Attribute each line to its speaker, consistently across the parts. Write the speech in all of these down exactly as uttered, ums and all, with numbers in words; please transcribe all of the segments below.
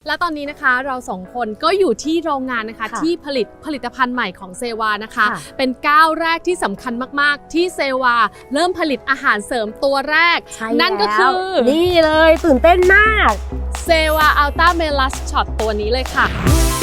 Speaker 1: และตอนนี้นะคะเราสองคนก็อยู่ที่โรงงานนะคะที่ผลิตผลิตภัณฑ์ใหม่ของเซวานะคะเป็นก้าวแรกที่สำคัญมากๆที่เซวาเริ่มผลิตอาหารเสริมตัวแรกนั่นก็คือ
Speaker 2: นี่เลยตื่นเต้นมาก
Speaker 1: เซวาอัลต้าเมลัสช็อตตัวนี้เลยค่ะ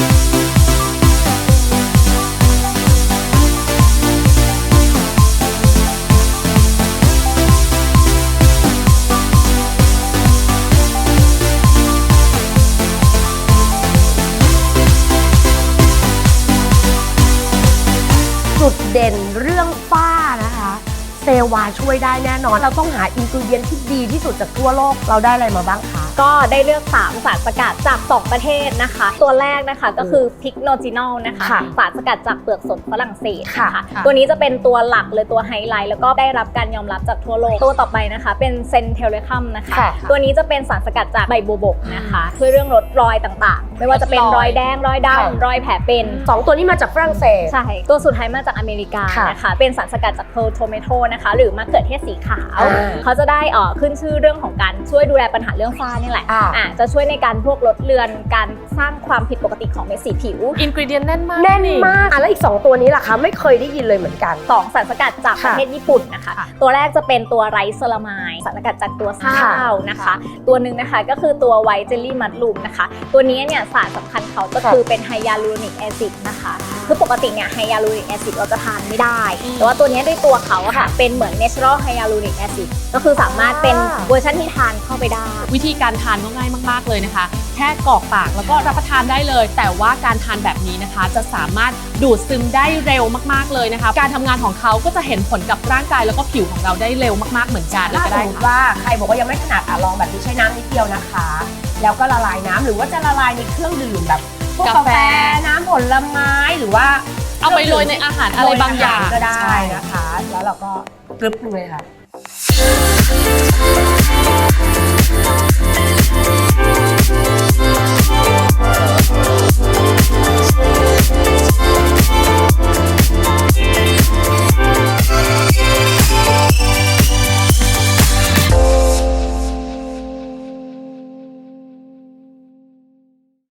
Speaker 2: จุดเด่นเรื่องฝ้านะคะเซวาช่วยได้แน่นอนเราต้องหาอินกรีเดียนที่ดีที่สุดจากทั่วโลกเราได้อะไรมาบ้างคะ
Speaker 3: ก็ได้เลือกสามสารสกัดจากสองประเทศนะคะตัวแรกนะคะก็คือพิกโนจินอลนะคะสารสกัดจากเปลือกสนฝรั่งเศสนะคะตัวนี้จะเป็นตัวหลักเลยตัวไฮไลท์แล้วก็ได้รับการยอมรับจากทั่วโลกตัวต่อไปนะคะเป็นเซนเทเลคัมนะคะตัวนี้จะเป็นสารสกัดจากใบบัวบกนะคะช่วยเรื่องลดรอยต่างๆไม่ว่าจะเป็นรอยแดงรอยดำรอยแผลเป็น
Speaker 2: สองตัวนี้มาจากฝรั่งเศส
Speaker 3: ใช่ตัวสุดท้ายมาจากอเมริกานะคะเป็นสารสกัดจากเพร์ลโทเมโตนะคะหรือมะเขือเทศสีขาวเขาจะได้ขึ้นชื่อเรื่องของการช่วยดูแลปัญหาเรื่องฝ้านี่แหละจะช่วยในการพวกลดเลือนการสร้างความผิดปกติของเม็ดสีผิว
Speaker 1: อินกรีเดียนแน่นมาก
Speaker 2: แน่นมากแล้วอีกสองตัวนี้ล่ะคะไม่เคยได้ยินเลยเหมือนกัน
Speaker 3: สองสารสกัดจากประเทศญี่ปุ่นนะคะตัวแรกจะเป็นตัวไรซ์เซรามายสารสกัดจากตัวข้าวนะคะตัวหนึ่งนะคะก็คือตัวไวท์เจลลี่มัดลูมนะคะตัวนี้เนี่ยสารสำคัญเขาก็คือเป็นไฮยาลูรอนิกแอซิดนะคะคือปกติเนี่ยไฮยาลูรอนิกแอซิดเราจะทานไม่ได้แต่ว่าตัวนี้ด้วยตัวเขาอะค่ะเป็นเหมือน natural hyaluronic acid ก็คือสามารถเป็นเวอร์ชันที่ทานเข้าไปได้
Speaker 1: วิธีการทานก็ง่ายมากๆเลยนะคะแค่กรอกปากแล้วก็รับประทานได้เลยแต่ว่าการทานแบบนี้นะคะจะสามารถดูดซึมได้เร็วมากๆเลยนะคะการทำงานของเขาก็จะเห็นผลกับร่างกายแล้วก็ผิวของเราได้เร็วมากๆเหมือนกัน
Speaker 2: ถ้าสมมติว่าใครบอกว่ายังไม่ถนัดอ่ะลองแบบนี้ใช้น้ำนิดเดียวนะคะแล้วก็ละลายน้ำหรือว่าจะละลายในเครื่องดื่มแบบพวกกาแฟน้ำผลไม้หรือว่า
Speaker 1: เอาไปโรยในอาหารอะไรบางอย่าง
Speaker 2: ก็ได้นะคะแล้วเราก็กรึบเลยค่ะ